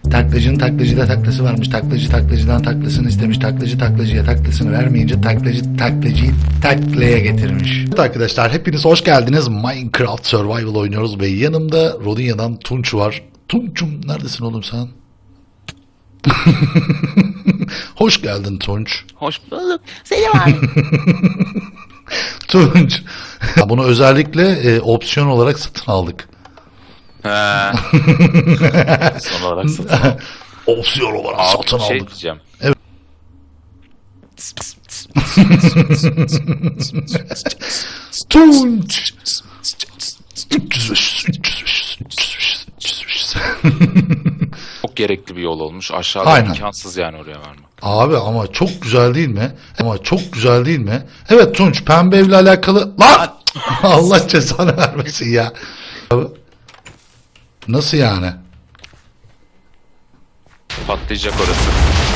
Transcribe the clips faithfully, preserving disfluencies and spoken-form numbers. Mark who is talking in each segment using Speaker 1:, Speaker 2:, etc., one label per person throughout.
Speaker 1: Taklacının taklacıda taklası varmış. Taklacı taklacıdan taklasını istemiş. Taklacı taklacıya taklasını vermeyince taklacı taklacıyı taklaya getirmiş. Evet arkadaşlar, hepiniz hoş geldiniz. Minecraft Survival oynuyoruz ve yanımda Rodinia'dan Tunç var. Tunç'um neredesin oğlum sen? Hoş geldin Tunç.
Speaker 2: Hoş bulduk. Selim abi.
Speaker 1: Tunç. Bunu özellikle e, opsiyon olarak satın aldık.
Speaker 2: He. Son olarak satın aldım.
Speaker 1: Opsiyon olarak
Speaker 2: Abi
Speaker 1: satın
Speaker 2: şey
Speaker 1: aldık.
Speaker 2: diyeceğim.
Speaker 1: Evet. Tunç. üç yüz beş, üç yüz beş, üç yüz beş, üç yüz beş.
Speaker 2: Çok gerekli bir yol olmuş. Aşağıda
Speaker 1: Aynen.
Speaker 2: imkansız yani oraya varmak.
Speaker 1: Abi ama çok güzel değil mi? Ama çok güzel değil mi? Evet Tunç, pembe evle alakalı... Lan! Allah cezanı vermesin ya. Nasıl yani?
Speaker 2: Patlayacak orası.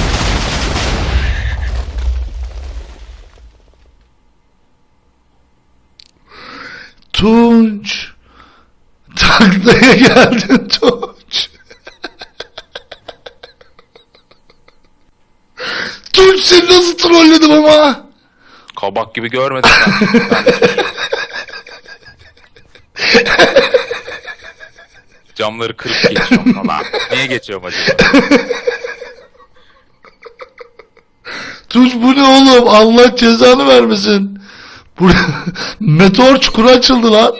Speaker 1: Tunç. Taklaya geldin Tunç. Tunç, seni nasıl trolledim ama?
Speaker 2: Kabak gibi görmedim ben. Ben de çocuğum. Camları kırıp geçiyorum falan. Niye geçiyorum acaba?
Speaker 1: Tunç bu ne oğlum? Allah cezanı vermesin. Burada meteor çukuru açıldı lan.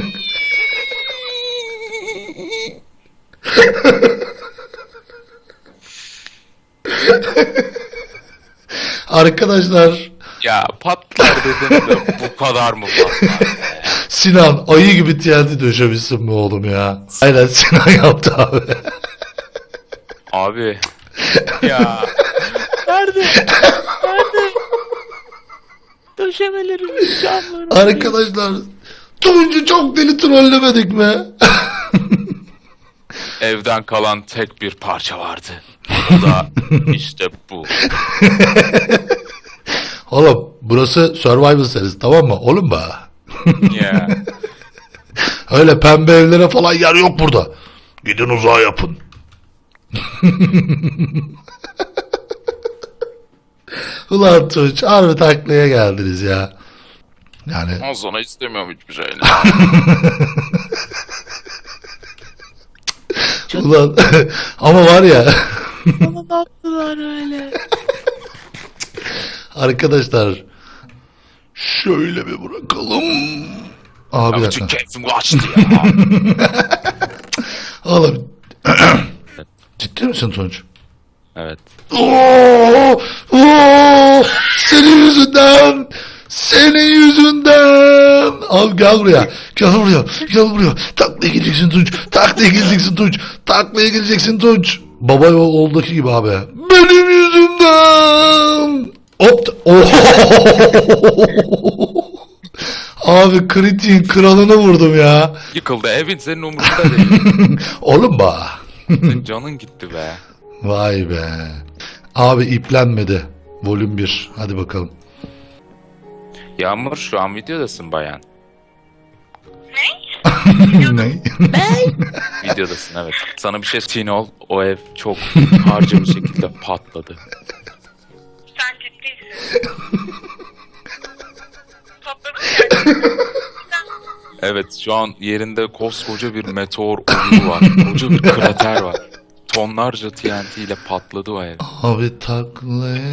Speaker 1: Arkadaşlar,
Speaker 2: Ya patlar dedim de bu kadar mı patlar?
Speaker 1: Sinan ayı gibi T N T döşemişsin mi oğlum ya? Aynen Sinan yaptı abi.
Speaker 2: Abi. Ya. Nerede? Nerede? Döşemelerim, camlarım.
Speaker 1: Arkadaşlar, Tunç'u çok deli trollemedik mi?
Speaker 2: Evden kalan tek bir parça vardı. O da işte bu.
Speaker 1: Oğlum burası Survival serisi, tamam mı? Oğlum be.
Speaker 2: Ya.
Speaker 1: Öyle pembe evlere falan yer yok burada. Gidin uzağa yapın. Ulan Tunç, harbi taklaya geldiniz ya. Yani
Speaker 2: O sonra istemiyorum hiçbir şey.
Speaker 1: ulan ama var ya
Speaker 2: Bana ne yaptılar öyle?
Speaker 1: arkadaşlar, şöyle bir bırakalım. Abi bir
Speaker 2: Ya
Speaker 1: dakika.
Speaker 2: bütün keyfim kaçtı ya.
Speaker 1: Oğlum ciddi misin Tunç?
Speaker 2: Evet.
Speaker 1: Oo, oo, senin yüzünden, senin yüzünden. Al gel buraya, gel buraya, gel buraya. Taklaya gideceksin Tunç, taklaya gideceksin Tunç, taklaya gideceksin Tunç. Baba oğuldaki gibi abi. Benim yüzümden. Hop. Oh. Abi kritiğin kralını vurdum ya.
Speaker 2: Yıkıldı evin, senin umurunda değil.
Speaker 1: Oğlum ba.
Speaker 2: Senin canın gitti be.
Speaker 1: Vay be. Abi iplenmedi. Volüm bir. Hadi bakalım.
Speaker 2: Yağmur, şu an videodasın bayan.
Speaker 1: Ne?
Speaker 2: Videodasın, evet. Sana bir şey söyleyeyim, ol. O ev çok harca bir şekilde patladı.
Speaker 3: Sen ciddisin. Patladın mı?
Speaker 2: Evet, şu an yerinde koskoca bir meteor oluğu var. Koca bir krater var. Tonlarca T N T ile patladı o ev.
Speaker 1: Abi taklaya...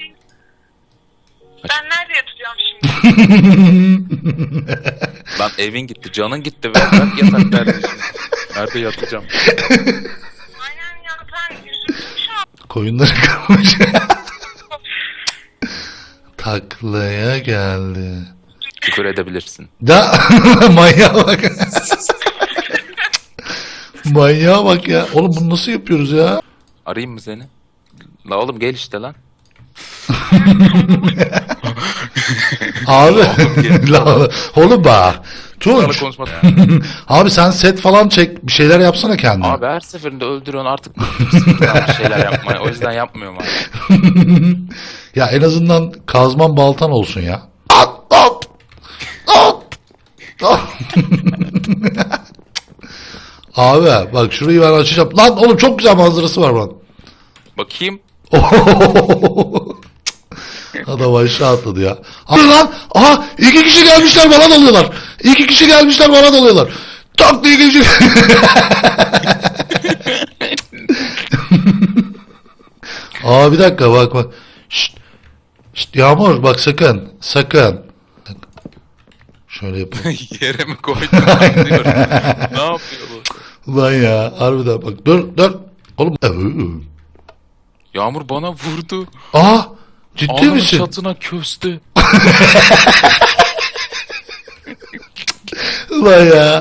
Speaker 3: Ben nerede yatacağım şimdi?
Speaker 2: Lan evin gitti, canın gitti ve ben yatak nerede şimdi? Nerede yatacağım?
Speaker 3: Aynen ya, ben yüzümü şu an.
Speaker 1: Koyunları kırmış. Taklaya geldi.
Speaker 2: Küfür edebilirsin.
Speaker 1: Da manyağa bak. Manyağa bak ya. Oğlum bunu nasıl yapıyoruz ya?
Speaker 2: Arayayım mı seni? La oğlum gel işte lan.
Speaker 1: Abi.
Speaker 2: gel.
Speaker 1: La- Oğlum bak.
Speaker 2: Sana
Speaker 1: Tunç.
Speaker 2: konuşma.
Speaker 1: Abi sen set falan çek. Bir şeyler yapsana kendine.
Speaker 2: Abi her seferinde öldürüyorsun artık bıktım bir şeyler yapmaya. O yüzden yapmıyorum abi.
Speaker 1: Ya en azından kazman baltan olsun ya. At at. At. At. Abi bak şurayı ben açacağım. Lan oğlum çok güzel manzarası var lan.
Speaker 2: Bakayım.
Speaker 1: Adam aşağı atladı ya. Abi lan. Aha iki kişi gelmişler bana dalıyorlar. İki kişi gelmişler bana dalıyorlar. Tak diye kişi. Aa bir dakika bak bak. Şşt. Şşt Yağmur bak sakın. Sakın. Şöyle yapayım.
Speaker 2: Yere mi koydun? Diyorum. Ne yapıyor bu?
Speaker 1: Ulan ya harbiden bak. Dur dur. Oğlum.
Speaker 2: Yağmur bana vurdu.
Speaker 1: Aa ciddi
Speaker 2: Alnımın
Speaker 1: misin?
Speaker 2: çatına köstü.
Speaker 1: Ulan ya.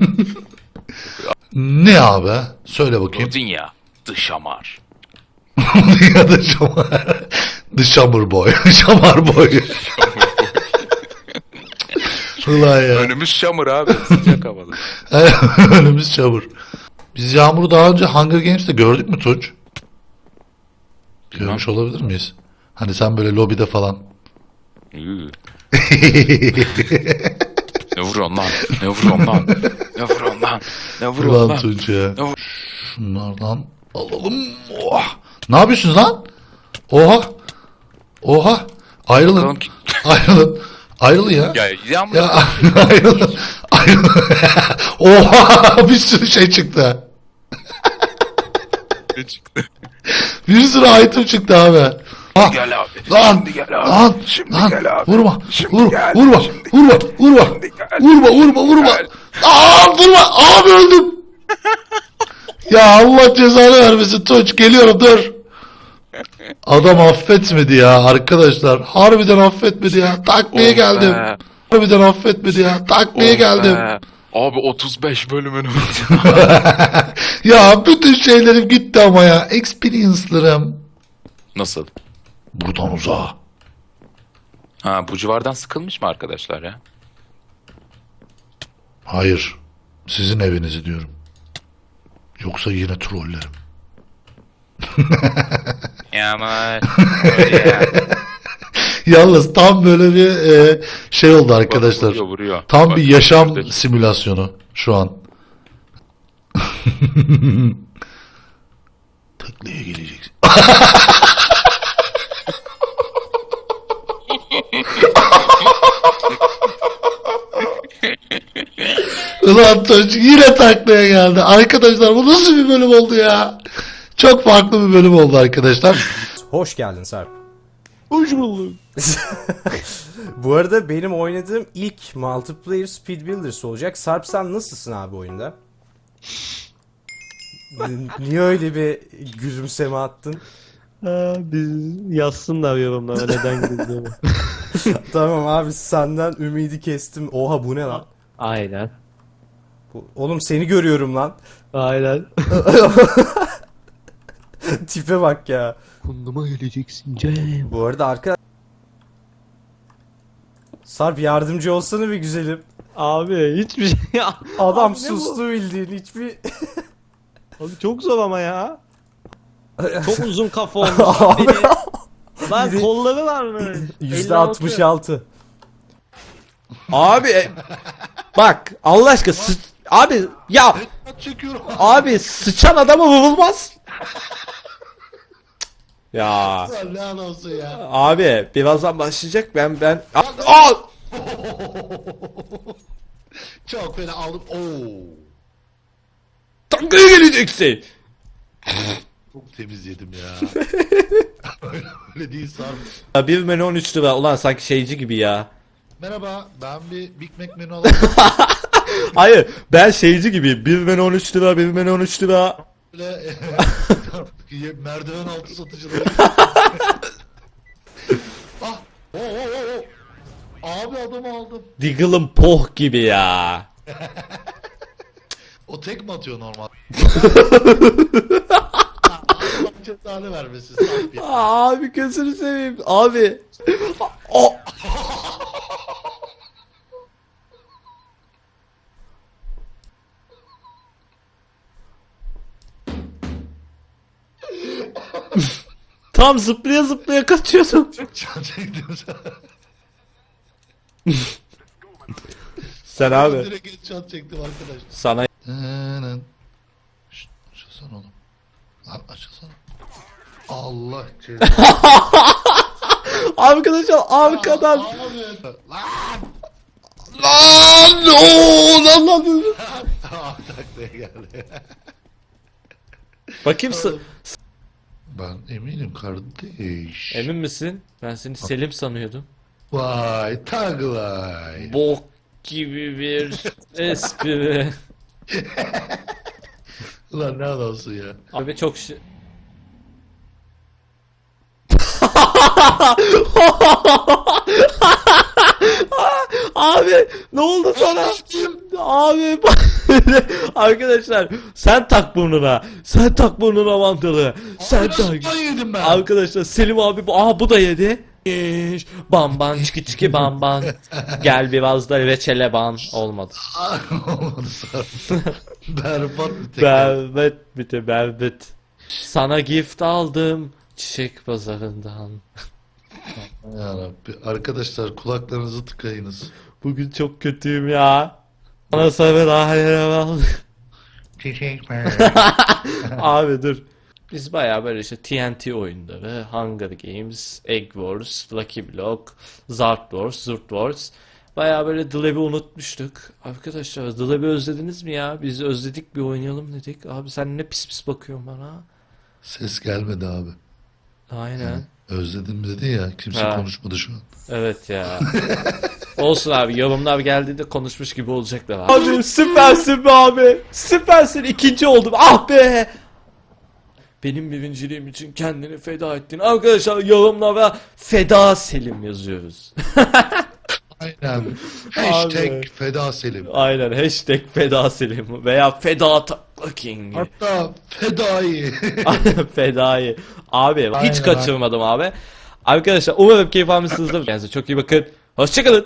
Speaker 1: Ne abi? Söyle bakayım.
Speaker 2: Gördün ya. Dışamar.
Speaker 1: Ya da şamar. The Summer Boy. Şamar Boy. Ulan ya.
Speaker 2: Önümüz şamur abi. Sıcak havada.
Speaker 1: Önümüz çamur. Biz Yağmur'u daha önce Hunger Games'te gördük mü Tunç? Görmüş olabilir miyiz? Hani sen böyle lobide falan.
Speaker 2: Iı. Ne vuruyorsun lan? Ne vuruyorsun lan? Ne vuruyorsun lan? Ne vuruyorsun
Speaker 1: Ulan
Speaker 2: lan?
Speaker 1: Tunç ya.
Speaker 2: Ne vur-
Speaker 1: Şunlardan alalım. Oha. Ne yapıyorsunuz lan? Oha. Oha. Ayrılın.
Speaker 2: Bakalım ki-
Speaker 1: Ayrılın. Ayrılın ya.
Speaker 2: Ya Yağmur.
Speaker 1: Ya ayrılın. Ayrılın. Oha bir sürü şey çıktı.
Speaker 2: Ne çıktı?
Speaker 1: Bir sürü item çıktı abi. Ah,
Speaker 2: Gel abi.
Speaker 1: Lan,
Speaker 2: Şimdi gel abi.
Speaker 1: lan,
Speaker 2: Şimdi
Speaker 1: lan,
Speaker 2: gel abi.
Speaker 1: vurma,
Speaker 2: Şimdi
Speaker 1: vur,
Speaker 2: gel.
Speaker 1: vurma,
Speaker 2: Şimdi
Speaker 1: vurma, vurma,
Speaker 2: Şimdi gel.
Speaker 1: vurma, vurma, vurma.
Speaker 2: Gel.
Speaker 1: Aa, vurma, abi öldüm. Ya Allah cezanı vermesin Tunç, geliyorum dur. Adam affetmedi ya arkadaşlar. Harbiden affetmedi ya. Taklaya
Speaker 2: Oh
Speaker 1: geldim.
Speaker 2: be.
Speaker 1: Harbiden affetmedi ya. Taklaya
Speaker 2: Oh
Speaker 1: geldim.
Speaker 2: be. Abi otuz beş bölümün
Speaker 1: Ya bütün şeylerim gitti ama ya. Experience'larım.
Speaker 2: Nasıl?
Speaker 1: Buradan uzağa.
Speaker 2: Ha bu civardan sıkılmış mı arkadaşlar ya?
Speaker 1: Hayır. Sizin evinizi diyorum. Yoksa yine trollerim.
Speaker 2: Yağmur.
Speaker 1: Yalnız tam böyle bir e, şey oldu arkadaşlar.
Speaker 2: Vuruyor vuruyor.
Speaker 1: Tam
Speaker 2: Bak,
Speaker 1: bir yaşam
Speaker 2: şurada.
Speaker 1: simülasyonu şu an. Taklaya geleceksin. Ulan Tunç yine taklaya geldi. Arkadaşlar bu nasıl bir bölüm oldu ya? Çok farklı bir bölüm oldu arkadaşlar.
Speaker 4: Hoş geldin Sarp.
Speaker 5: Hoş bulduk.
Speaker 4: Bu arada benim oynadığım ilk multiplayer Speed Builders olacak. Sarp sen nasılsın abi oyunda? N- Niye öyle bir gülümseme attın?
Speaker 5: Ha, biz yazsınlar yorumlara neden girdiğimi.
Speaker 4: Tamam abi senden ümidi kestim. Oha bu ne lan?
Speaker 5: Aynen.
Speaker 4: Bu- Oğlum seni görüyorum lan.
Speaker 5: Aynen.
Speaker 4: Tipe bak ya.
Speaker 5: Kunduma geleceksin Cem.
Speaker 4: Bu arada arka... Sarp yardımcı olsana bir güzelim.
Speaker 5: Abi hiçbir şey ya.
Speaker 4: Adam
Speaker 5: Abi ne
Speaker 4: sustu bildiğin hiçbir...
Speaker 5: Abi çok zor ama ya. Çok uzun kafa olmuş.
Speaker 4: Abi.
Speaker 5: Beni... Lan
Speaker 4: Biri-
Speaker 5: kolları var mı?
Speaker 4: yüzde altmış altı.
Speaker 6: Abi e, bak Allah aşkına sı- abi ya
Speaker 1: Çekiyorum.
Speaker 6: abi sıçan adama vurulmaz. Ya
Speaker 1: Lanet olsun ya.
Speaker 6: abi birazdan başlayacak ben ben Aa!
Speaker 1: Çok fena aldım. Oo.
Speaker 6: Tankaya geleceksin.
Speaker 1: Çok temiz yedim ya. öyle, öyle değil Sarp.
Speaker 6: Ya bir menü on üç lira ulan sanki şeyci gibi ya.
Speaker 1: Merhaba ben bir Big Mac menü alayım.
Speaker 6: Hayır ben şeyci gibi bir menü on üç lira bir menü on üç lira.
Speaker 1: Böyle merdiven altı satıcıları. ah. Oo, oo, oo, oo. Abi adamı aldım.
Speaker 6: Diggle'ın poh gibi ya.
Speaker 1: O tek mi atıyor normal? Allah cezanı vermesin Sarp ya.
Speaker 6: Abi gözünü seveyim abi. O Tam zıplaya zıplaya kaçıyordum.
Speaker 1: Can çektim sana.
Speaker 6: Sen abi
Speaker 1: Direkt can çektim arkadaşlar.
Speaker 6: sana
Speaker 1: Açılsana oğlum. Lan açılsana. Allah cezanı.
Speaker 6: Arkadaşlar arkadan.
Speaker 1: Abi. Lan. Lan. Oo, lan lan. Ah, taklaya geldi.
Speaker 6: Bakayım sı-
Speaker 1: Ben eminim kardeş.
Speaker 6: Emin misin? Ben seni Selim sanıyordum.
Speaker 1: Vay taglay.
Speaker 6: Bok gibi bir espri.
Speaker 1: Ulan ne adamsın ya.
Speaker 6: Abi çok şey... Abi ne oldu sana? Abi arkadaşlar sen tak burnuna. Sen tak burnuna mantılı. Sen tak.
Speaker 1: Nasıl yedim ben?
Speaker 6: Arkadaşlar Selim abi bu- aha bu da yedi. Yeş. Bamban çiki çiki bamban. Gel biraz da reçele ban. Olmadı.
Speaker 1: Olmadı sana. Berbat bir tek.
Speaker 6: Berbat bir berbat. Sana gift aldım çiçek pazarından.
Speaker 1: Yarabbi. Arkadaşlar kulaklarınızı tıkayınız.
Speaker 6: Bugün çok kötüyüm ya. Bana sabır ahire bak. Abi dur. Biz bayağı böyle işte T N T oyunları, Hunger Games, Egg Wars, Lucky Block, Zart Wars, Zurt Wars. Bayağı böyle Dlev'i unutmuştuk. Arkadaşlar Dlev'i özlediniz mi ya? Biz özledik bir oynayalım dedik. Abi sen ne pis pis bakıyorsun bana.
Speaker 1: Ses gelmedi abi.
Speaker 6: Aynen.
Speaker 1: Özledim dedi ya. Kimse
Speaker 6: Ha.
Speaker 1: konuşmadı şu an.
Speaker 6: Evet ya. Olsun abi yorumlar geldiğinde konuşmuş gibi olacaklar abi. Abi süpersin be abi. Süpersin ikinci oldum. Ah be. Benim birinciliğim için kendini feda ettin. Arkadaşlar yorumlara feda Selim yazıyoruz.
Speaker 1: Aynen. Hashtag
Speaker 6: Abi.
Speaker 1: Feda Selim.
Speaker 6: Aynen hashtag feda Selim veya feda Takla King.
Speaker 1: Hatta Fedai.
Speaker 6: Fedayı. Abi hiç
Speaker 1: Aynen,
Speaker 6: kaçırmadım abi. Arkadaşlar umarım keyif almışsınızdır. Kendinize çok iyi bakın. Hoşçakalın.